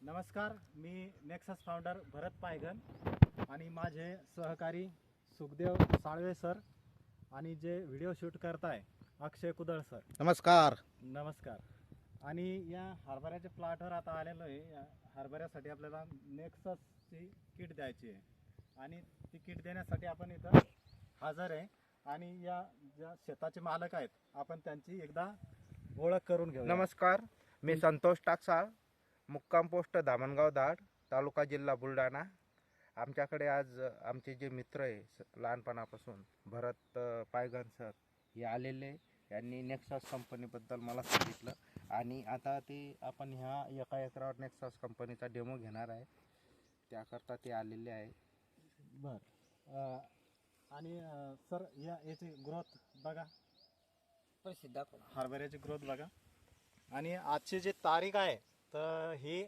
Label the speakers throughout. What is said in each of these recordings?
Speaker 1: नमस्कार, मी nexus founder भरत पायघन आणि माझे सहकारी सुखदेव साळवे सर आणि जे व्हिडिओ शूट करताय अक्षय कुदळ सर.
Speaker 2: नमस्कार.
Speaker 1: नमस्कार. आणि या हरभऱ्याच्या प्लॉटवर आता आलेलो आहे. या हरभऱ्यासाठी आपल्याला नेक्ससची किट द्यायची आहे आणि ती किट देण्यासाठी आपण इथं हजर आहे. आणि या ज्या शेताचे मालक आहेत आपण त्यांची एकदा ओळख करून घेऊ.
Speaker 2: नमस्कार, मी संतोष टाकसाळ, मुक्काम पोस्ट धामणगाव दाड, तालुका जिल्हा बुलढाणा. आमच्याकडे आज आमचे जे मित्र आहे लहानपणापासून भरत पायघन सर हे आलेले. यांनी नेक्सस कंपनीबद्दल मला सांगितलं आणि आता ते आपण ह्या एका एकरावर नेक्सस कंपनीचा डेमो घेणार आहे, त्याकरता ते आलेले आहे.
Speaker 1: बरं. आणि सर याची ग्रोथ बघा, हरभऱ्याची ग्रोथ बघा. आणि आजची जी तारीख आहे तर ही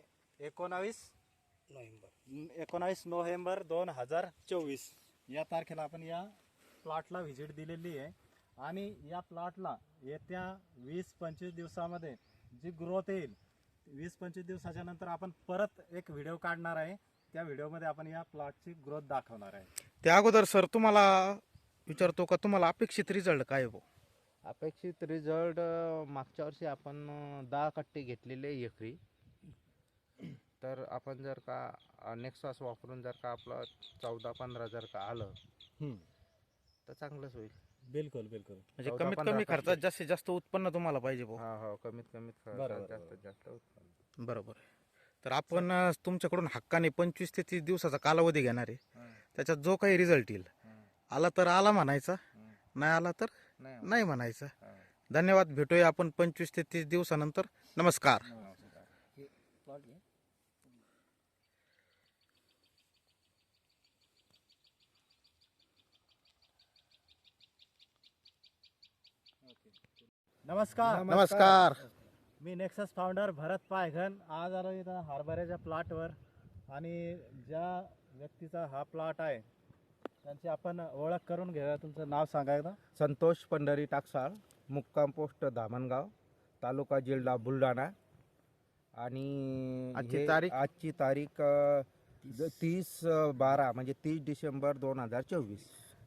Speaker 1: 19 नोव्हेंबर 2024 या तारखेला आपण या प्लॉटला व्हिजिट दिलेली आहे. आणि या प्लॉटला येत्या 20-25 दिवसामध्ये जी ग्रोथ येईल, 20-25 दिवसाच्या नंतर आपण परत एक व्हिडिओ काढणार आहे. त्या व्हिडिओमध्ये आपण या प्लॉटची ग्रोथ दाखवणार आहे.
Speaker 2: त्या अगोदर सर तुम्हाला विचारतो का तुम्हाला अपेक्षित रिझल्ट काय हो?
Speaker 3: अपेक्षित रिझल्ट मागच्या वर्षी आपण 10 कट्टे घेतलेले एकरी. तर आपण जर का नेक्सस वापरून जर का आपलं 14-15 जर का आलं तर चांगलंच होईल.
Speaker 1: बिलकुल बिलकुल.
Speaker 2: म्हणजे कमीत कमी खर्चात जास्तीत जास्त उत्पन्न तुम्हाला पाहिजे भाऊ.
Speaker 3: हो, कमीत कमीत
Speaker 1: बरोबर.
Speaker 3: जास्तीत जास्त उत्पन्न.
Speaker 2: बरोबर. तर आपण तुमच्याकडून हक्काने 25 ते 30 दिवसाचा कालावधी घेणार आहे. त्याच्यात जो काही रिझल्ट येईल, आला तर आला म्हणायचा, नाही आला तर नाही म्हणायचं. धन्यवाद. भेटूया आपण 25 ते 30 दिवसानंतर. नमस्कार.
Speaker 1: नमस्कार.
Speaker 2: नमस्कार.
Speaker 1: मी नेक्सस फाउंडर भरत पायघन आज आलो इथं हरभऱ्याच्या प्लॉटवर. आणि ज्या व्यक्तीचा हा प्लॉट आहे त्यांची आपण ओळख करून घेऊया. तुमचं नाव सांगा एकदा.
Speaker 3: संतोष पंढरी टाकसाळ, मुक्काम पोस्ट धामणगाव, तालुका जिल्हा बुलढाणा. आणि
Speaker 2: आजची तारीख?
Speaker 3: आजची तारीख 30/12 म्हणजे 30 डिसेंबर 2024.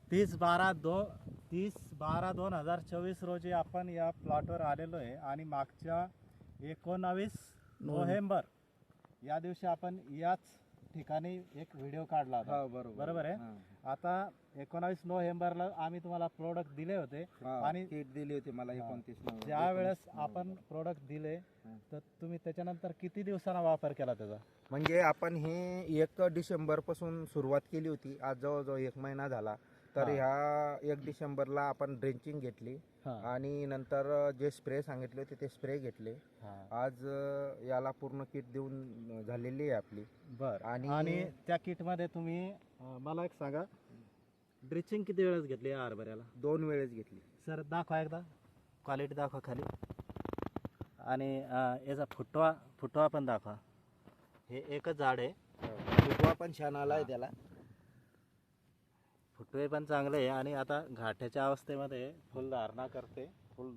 Speaker 1: 30/12/2024 रोजी आपण या प्लॉटवर आलेलो आहे. आणि मागच्या 19 नोव्हेंबर या दिवशी आपण याच ठिकाणी एक व्हिडिओ काढला होता. बरोबर आहे. आता 19 नोव्हेंबरला आम्ही तुम्हाला प्रोडक्ट दिले होते आणि
Speaker 3: किट दिली होती मला 29 नोव्हेंबर.
Speaker 1: ज्या वेळेस आपण प्रोडक्ट दिले तर तुम्ही त्याच्यानंतर किती दिवसांना वापर केला त्याचा?
Speaker 3: म्हणजे आपण हे 1 डिसेंबर पासून सुरुवात केली होती. आज जवळजवळ 1 महिना झाला. तर ह्या 1 डिसेंबरला आपण ड्रेंचिंग घेतली आणि नंतर जे स्प्रे सांगितले होते ते स्प्रे घेतले. आज याला पूर्ण किट देऊन झालेली आहे आपली.
Speaker 1: बरं. आणि त्या किटमध्ये तुम्ही मला एक सांगा, ड्रेंचिंग किती वेळेस घेतली या हरभऱ्याला?
Speaker 3: 2 वेळेस घेतली.
Speaker 1: सर दाखवा एकदा, क्वालिटी दाखवा खाली. आणि याचा फुटवा पण दाखवा. हे एकच झाड आहे.
Speaker 3: फुटवा पण छान आला आहे त्याला.
Speaker 1: फुटवे पण चांगले आहे. आणि आता घाट्याच्या अवस्थेमध्ये फुलधारणा करते.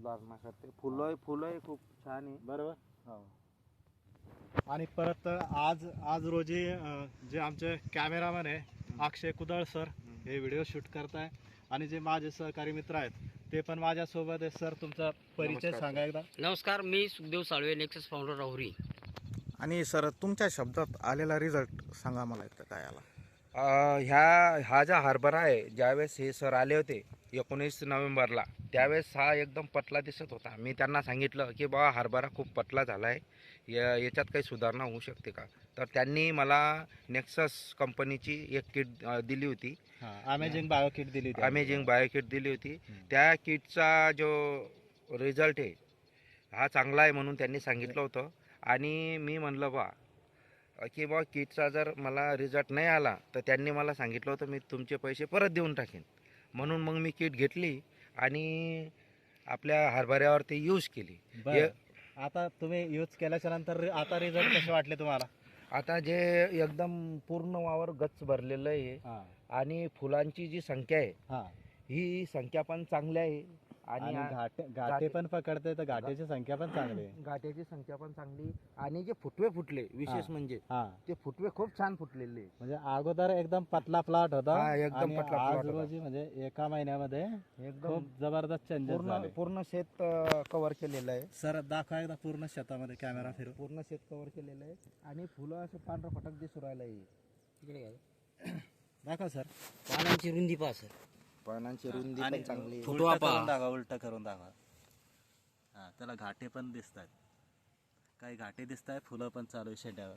Speaker 3: फुलं खूप छान आहे.
Speaker 1: बरोबर. हो. आणि परत आज रोजी जे आमचे कॅमेरामॅन आहे अक्षय कुदळ सर हे व्हिडिओ शूट करताय. आणि जे माझे सहकारी मित्र आहेत ते पण माझ्यासोबत आहे. सर तुमचा परिचय सांगा एकदा.
Speaker 4: नमस्कार, मी सुखदेव साळवे, नेक्सस फाउंडर राहुरी.
Speaker 2: आणि सर तुमच्या शब्दात आलेला रिझल्ट सांगा मला एकदा काय आला?
Speaker 3: हा जो हरभरा आहे, ज्यावेळेस हे सर आले होते 19 नोव्हेंबरला, त्यावेळेस हा एकदम पतला दिसत होता. मी त्यांना सांगितलं की बाबा हरभरा खूप पतला झाला आहे, याच्यात काही सुधारणा होऊ शकते का? तर त्यांनी मला नेक्सस कंपनीची एक किट दिली होती.
Speaker 1: अमेझिंग बायो किट दिली होती.
Speaker 3: अमेझिंग बायो किट दिली होती. त्या किटचा जो रिझल्ट आहे हा चांगला आहे म्हणून त्यांनी सांगितलं होतं. आणि मी म्हणलं की बा किटचा जर मला रिझल्ट नाही आला तर त्यांनी मला सांगितलं होतं मी तुमचे पैसे परत देऊन टाकेन. म्हणून मग मी किट घेतली आणि आपल्या हरभऱ्यावरती यूज केली.
Speaker 1: आता तुम्ही यूज केल्याच्या नंतर आता रिझल्ट कसे वाटले तुम्हाला?
Speaker 3: आता जे एकदम पूर्ण वावर गच्च भरलेलं आहे आणि फुलांची जी संख्या आहे ही संख्या पण चांगली आहे.
Speaker 1: आणि घाटे पण पकडते तर घाटेची संख्या पण चांगली आहे.
Speaker 3: घाट्याची संख्या पण चांगली आणि जे फुटवे फुटले विशेष म्हणजे
Speaker 1: हा
Speaker 3: ते फुटवे खूप छान फुटलेले.
Speaker 1: म्हणजे अगोदर एकदम पतला प्लॉट होता
Speaker 3: हा, एकदम
Speaker 1: आणि
Speaker 3: पतला
Speaker 1: आज
Speaker 3: plot होता.
Speaker 1: रोजी म्हणजे एका महिन्यामध्ये
Speaker 3: एकदम
Speaker 1: खूप जबरदस्त चेंजेस
Speaker 3: पूर्ण
Speaker 1: झाले.
Speaker 3: पूर्ण शेत कव्हर केलेलं आहे.
Speaker 1: सर दाखवा एकदा पूर्ण शेतामध्ये कॅमेरा फिरू.
Speaker 3: पूर्ण शेत कव्हर केलेलं आहे आणि फुलं असं पांढरं फटक दिसू राहिलं आहे.
Speaker 4: इकडे घ्या.
Speaker 1: दाखवा सर.
Speaker 4: पानांची रुंदी पहा सर.
Speaker 3: पानांची रुंदी
Speaker 1: आणि
Speaker 3: पण चांगली आहे.
Speaker 4: फुटवा
Speaker 1: उलटं
Speaker 4: पहा.
Speaker 1: करून दाखवा, उलट करून दाखवा. हा त्याला घाटे पण दिसत आहेत, काही घाटे दिसत आहेत, फुलं पण चालू आहे शेंड्यावर.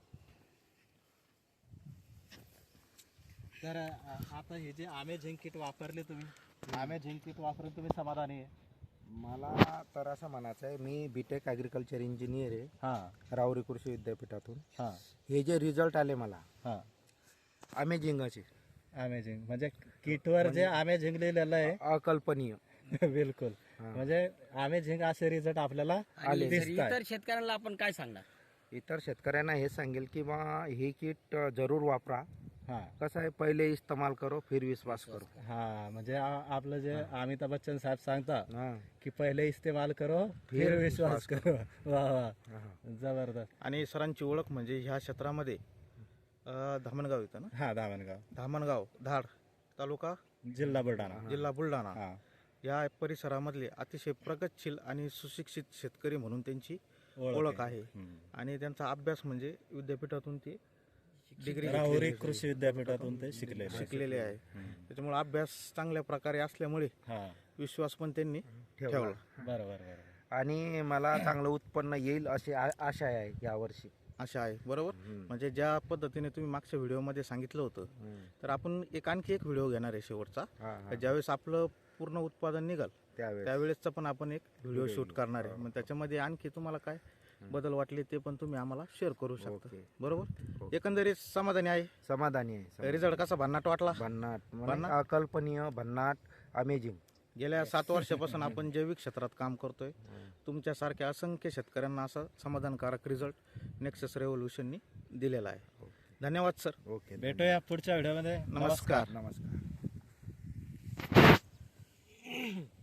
Speaker 1: तर आता हे जे आमे झिंक किट वापरले तुम्ही, आमे झिंक किट वापरून तुम्ही समाधानी आहे?
Speaker 3: मला तर असं म्हणायचं आहे, मी बीटेक ॲग्रिकल्चर इंजिनियर आहे
Speaker 1: हां
Speaker 3: राहुरी कृषी विद्यापीठातून.
Speaker 1: हां
Speaker 3: हे जे रिझल्ट आले मला
Speaker 1: हां
Speaker 3: अमेझिंगचे,
Speaker 1: अमेझिंग. म्हणजे किटवर जे अमेझिंग लिहिलेलं आहे
Speaker 3: अकल्पनीय.
Speaker 1: बिलकुल. म्हणजे अमेझिंग असे रिझल्ट आपल्याला
Speaker 4: आणि सर,
Speaker 1: दिसत
Speaker 4: इतर शेतकऱ्यांना आपण काय सांगणार?
Speaker 3: इतर शेतकऱ्यांना हे सांगेल की बा हे किट जरूर वापरा.
Speaker 1: हां
Speaker 3: कसं आहे, पहिले इस्तेमाल करो फिर विश्वास करो.
Speaker 1: हां म्हणजे आपलं जे अमिताभ बच्चन साहेब सांगतात
Speaker 3: हां
Speaker 1: की पहिले इस्तेमाल करो फिर विश्वास करो. वा वा, जबरदस्त.
Speaker 5: आणि सरांची ओळख म्हणजे ह्या क्षेत्रामध्ये धामणगाव येतं ना,
Speaker 1: हा धामणगाव,
Speaker 5: धामणगाव धाड तालुका
Speaker 1: जिल्हा बुलढाणा.
Speaker 5: जिल्हा बुलढाणा
Speaker 1: हा
Speaker 5: या परिसरामधले अतिशय प्रगतशील आणि सुशिक्षित शेतकरी म्हणून त्यांची ओळख आहे. आणि त्यांचा अभ्यास म्हणजे विद्यापीठातून ते डिग्री
Speaker 1: राहुरी कृषी विद्यापीठातून ते
Speaker 5: शिकलेले आहे. त्याच्यामुळे अभ्यास चांगल्या प्रकारे असल्यामुळे
Speaker 1: हा
Speaker 5: विश्वास पण त्यांनी ठेवला.
Speaker 1: बरोबर बरोबर.
Speaker 3: आणि मला चांगलं उत्पन्न येईल अशी आशा आहे यावर्षी.
Speaker 5: अशा आहे बरोबर. म्हणजे ज्या पद्धतीने तुम्ही मागच्या व्हिडिओमध्ये सांगितलं होतं, तर आपण आणखी एक व्हिडिओ घेणार आहे शेवटचा. ज्यावेळेस आपलं पूर्ण उत्पादन निघाल त्यावेळेसचा पण आपण एक व्हिडिओ शूट करणार आहे. मग त्याच्यामध्ये आणखी तुम्हाला काय बदल वाटले ते पण तुम्ही आम्हाला शेअर करू शकता. बरोबर. एकंदरीत समाधानी आहे,
Speaker 3: समाधानी आहे.
Speaker 5: रिझल्ट कसा भन्नाट वाटला?
Speaker 3: भन्नाट, अकल्पनीय, भन्नाट, अमेझिंग.
Speaker 5: गेल्या 7 वर्षापासून आपण जैविक क्षेत्रात काम करतोय. तुमच्यासारख्या असंख्य शेतकऱ्यांना असा समाधानकारक रिझल्ट नेक्सस रेव्होल्युशननी दिलेला आहे. धन्यवाद सर.
Speaker 3: ओके,
Speaker 1: भेटूया पुढच्या व्हिडिओमध्ये.
Speaker 5: नमस्कार.
Speaker 3: नमस्कार.